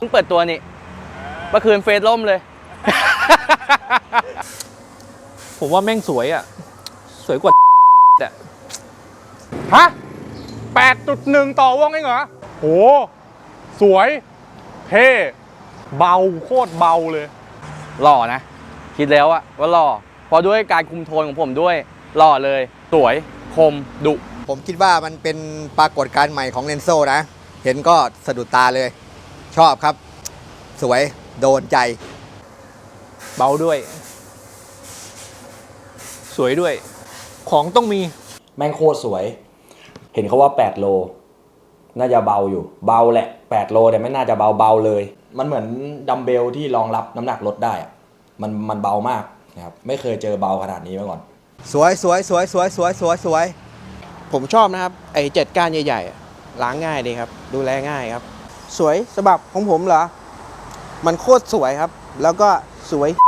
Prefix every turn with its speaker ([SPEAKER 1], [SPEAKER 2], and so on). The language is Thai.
[SPEAKER 1] พิ่งเปิดตัวนี่เมื่อคืนเฟซล่มเลย
[SPEAKER 2] ผมว่าแม่งสวยอ่ะสวยกว่าอ่ะ
[SPEAKER 3] ฮะ 8.1 ต่อวงเองเหรอโหสวยเท่เบาโคตรเบาเลย
[SPEAKER 1] หล่อนะคิดแล้วอะว่าหล่อเพราะด้วยการคุมโทนของผมด้วยหล่อเลยสวยคมดุ
[SPEAKER 4] ผมคิดว่ามันเป็นปรากฏการณ์ใหม่ของเรนโซนะ เห็นก็สะดุดตาเลย ชอบครับ สวยโดนใจ
[SPEAKER 2] เบาด้วย สวยด้วย ของต้องมี
[SPEAKER 5] แม่งโคตรสวย เห็นเขาว่า8โลน่าจะเบาอยู่เบาแหละ8โลแต่ไม่น่าจะเบาเลยมันเหมือนดัมเบลที่รองรับน้ำหนักรถได้อะมันเบามากนะครับไม่เคยเจอเบาขนาดนี้มาก่อน
[SPEAKER 4] สวยสวยสวยสวยสวยสวยสวย
[SPEAKER 6] ผมชอบนะครับไอ้7 ก้านใหญ่ๆอะล้างง่ายดีครับดูแลง่ายครับสวยสำหรับของผมเหรอมันโคตรสวยครับแล้วก็สวย